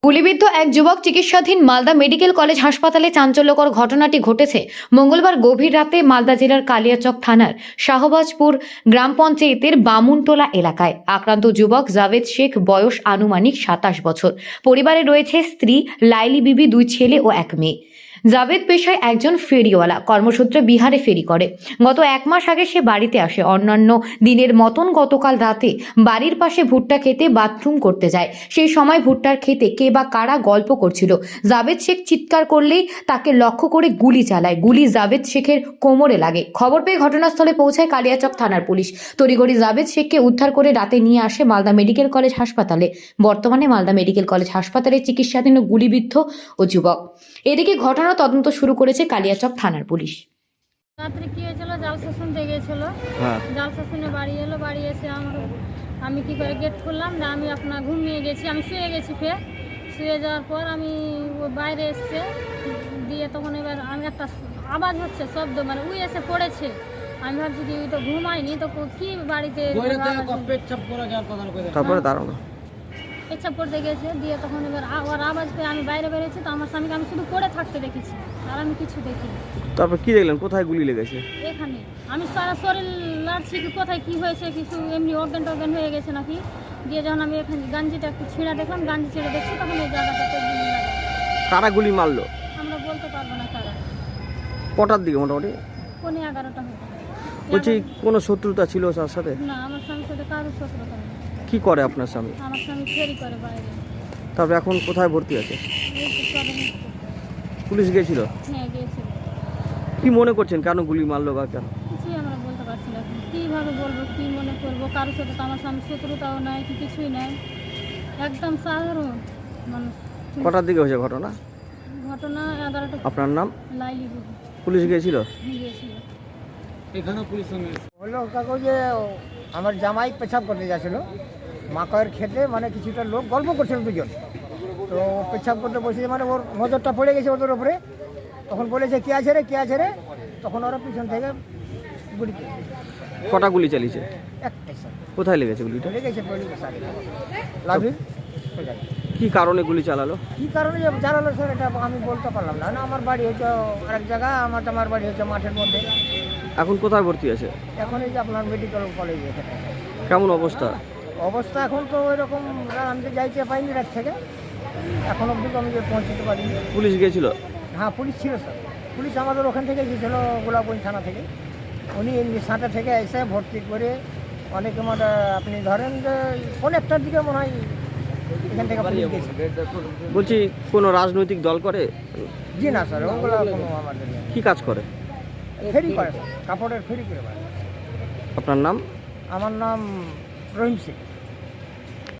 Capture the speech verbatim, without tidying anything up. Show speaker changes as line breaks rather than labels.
গুলিবিদ্ধ এক যুবক চিকিৎসাধীন মালদা মেডিকেল কলেজ হাসপাতালে। চাঞ্চল্যকর ঘটনাটি ঘটেছে মঙ্গলবার গভীর রাতে মালদা জেলার কালিয়াচক থানার শাহবাজপুর গ্রাম পঞ্চায়েতের বামুনটোলা এলাকায়। আক্রান্ত যুবক জাভেদ শেখ, বয়স আনুমানিক সাতাশ বছর। পরিবারে রয়েছে স্ত্রী লাইলি বিবি, দুই ছেলে ও এক মেয়ে। জাভেদ পেশায় একজন ফেরিওয়ালা, কর্মসূত্রে বিহারে ফেরি করে। গত এক মাস আগে সে বাড়িতে আসে। অন্যান্য দিনের মতন গতকাল রাতে বাড়ির পাশে ভুট্টা খেতে বাথরুম করতে যায়। সেই সময় ভুট্টার খেতে কে বা কারা গল্প করছিল। জাভেদ শেখ চিৎকার করলেই তাকে লক্ষ্য করে গুলি চালায়। গুলি জাভেদ শেখের কোমরে লাগে। খবর পেয়ে ঘটনাস্থলে পৌঁছায় কালিয়াচক থানার পুলিশ। তড়িঘড়ি জাভেদ শেখকে উদ্ধার করে রাতে নিয়ে আসে মালদা মেডিকেল কলেজ হাসপাতালে। বর্তমানে মালদা মেডিকেল কলেজ হাসপাতালে চিকিৎসাধীন গুলিবিদ্ধ ও যুবক। এদিকে ঘটনা তদন্ত শুরু করেছে কালিয়াচক থানার পুলিশ।
রাত্রে কি হয়েছিল, জাল শাসন দিয়ে গেছিল। জাল শাসনে বাড়ি এলো, বাড়ি এসে আমার আমি কি করে গেট খুললাম না, আমি আপনার ঘুমিয়ে গেছি, আমি শুয়ে গেছি। ফের শুয়ে যাওয়ার পর আমি ও বাইরে এসছে দিয়ে তখন এবার আমি একটা আওয়াজ হচ্ছে, শব্দ, মানে উই এসে পড়েছে। আমি ভাবছি কি ওই তো ঘুমাইনি, তো কি বাড়িতে
তারপরে দাঁড়ানো
পেচ্ছাপ করতে গেছে। দিয়ে তখন এবার ওর আওয়াজ পেয়ে আমি বাইরে বেরিয়েছি। তো আমার স্বামীকে আমি শুধু পড়ে থাকতে দেখেছি, আর আমি কিছু দেখিনি।
তারপর কি দেখলেন, কোথায় গুলি লেগেছে?
এখানে আমি সারা শরীর লাড়ছি কি কোথায় কি হয়েছে, কিছু এমনি অজ্ঞান টজ্ঞান হয়ে গেছে নাকি। দিয়ে যখন আমি এখানে গাঞ্জিটা একটু ছিঁড়া দেখলাম, গাঞ্জি ছিঁড়ে দেখছি, তখন এই জায়গাটাতে গুলি লাগে।
কারা গুলি মারলো
আমরা বলতে পারবো না কারা।
কটার দিকে মোটামুটি?
পৌনে এগারোটা হতো।
বলছি কোনো শত্রুতা ছিল তার সাথে?
না, আমার স্বামীর সাথে কারোর শত্রুতা নেই।
কি করে আপনার স্বামী?
আমার স্বামী ফেরি করে বাইরে।
তারপর এখন কোথায় ভর্তি আছে?
এই তো সবে নিচ্ছে।
পুলিশ গিয়েছিল?
হ্যাঁ গিয়েছিল।
কি মনে করছেন কেন গুলি মারলো বা কেন?
কিছুই আমরা বলতে পারছি না এখন। কীভাবে বলবো, কী মনে করবো? কারোর সাথে তো আমার স্বামীর শত্রুতাও নাই, কি কিছুই নাই, একদম সাধারণ মানুষ।
কটার দিকে হয়েছে ঘটনা?
ঘটনা এগারোটা।
আপনার নাম?
লাইলি বিবি।
পুলিশ গিয়েছিল?
গিয়েছিল।
এখানে পুলিশ
হলো কাকু যে আমার জামাই পেছাব করতে যাচ্ছিল মাকয়ের খেতে, মানে কিছুটা লোক গল্প করছিল দুজন। তো পেছাব করতে বসেছে, মানে ওর নজরটা পড়ে গেছে ওদের ওপরে। তখন বলেছে কে আছে রে, কে আছে রে। তখন ওরা পিছন থেকে গুলি করে।
কটা গুলি চালিয়েছে?
একটাই স্যার
কোথায় লেগেছে গুলিটা?
চলে গেছে লাভির।
কি কারণে গুলি চালালো?
কী কারণে যে জানালো স্যার এটা আমি বলতে পারলাম না। না, আমার বাড়ি হচ্ছে আরেক জায়গা, আমার আমার বাড়ি হচ্ছে মাঠের মধ্যে।
এখন কোথায় ভর্তি আছে?
এখন এই যে আপনার মেডিকেল কলেজে। এখানে
কেমন অবস্থা?
অবস্থা এখন তো ওইরকম, আমি তো যাইতে পাইনি রাত থেকে, এখন অবধি আমি যে পৌঁছতে পারিনি।
পুলিশ গিয়েছিল?
হ্যাঁ পুলিশ ছিল স্যার। পুলিশ আমাদের ওখান থেকে গিয়েছিল, গোলাপগঞ্জ থানা থেকে। উনি সাঁটা থেকে এসে ভর্তি করে অনেকে, মানে আপনি ধরেন যে কোন একটার দিকে মনে হয় এখান থেকে পুলিশ গিয়েছে।
বলছি কোনো রাজনৈতিক দল করে?
জি না স্যার, ওগুলো কোনো আমাদের নেই।
কি কাজ করে?
ফেরি করে স্যার, কাপড়ের ফেরি করে।
আপনার নাম?
আমার নাম রহিম সিং।